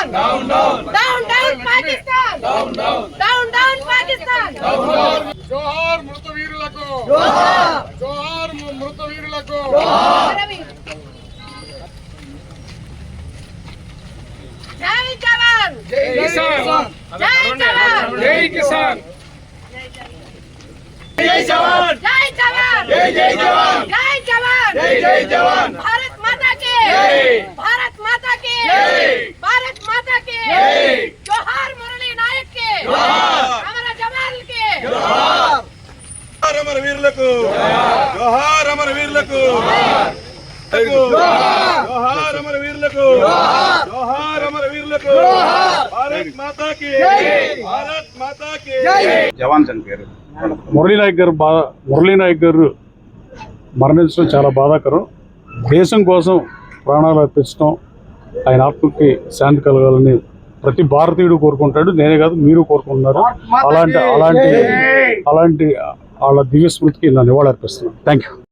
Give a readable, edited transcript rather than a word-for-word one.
Down, down, Pakistan. Down, down, Pakistan. జోహార్ మృత వీరులకు, జోహార్ మృత వీరులకు. జై జవాన్, జై కిసాన్, జై జవాన్, జై కిసాన్, జై జవాన్, జై జవాన్, జై జై జవాన్, జై జవాన్, జై జై జవాన్. भारत माता की జై, भारत माता की జై, भारत माता की జై. जोहार मुरली नायक के జోహార్, हमारा जवान के జోహార్. జోహార్ అమర వీరులకు, జోహార్ అమర వీరులకు, జోహార్ అమర వీరులకు, జోహార్ అమర వీరులకు. భారత్ మాతా కీ, భారత్ మాతా కీ. జవాన్ చనిపోయారు. మురళీ నాయక్ గారు మరణించడం చాలా బాధాకరం. దేశం కోసం ప్రాణాలు అర్పించడం, ఆయన ఆత్మకి శాంతి కలగాలని ప్రతి భారతీయుడు కోరుకుంటాడు. నేనే కాదు, మీరు కోరుకుంటున్నారు. అలాంటి వాళ్ళ దివ్య స్మృతికి నా నివాళి అర్పిస్తున్నాను. Thank you.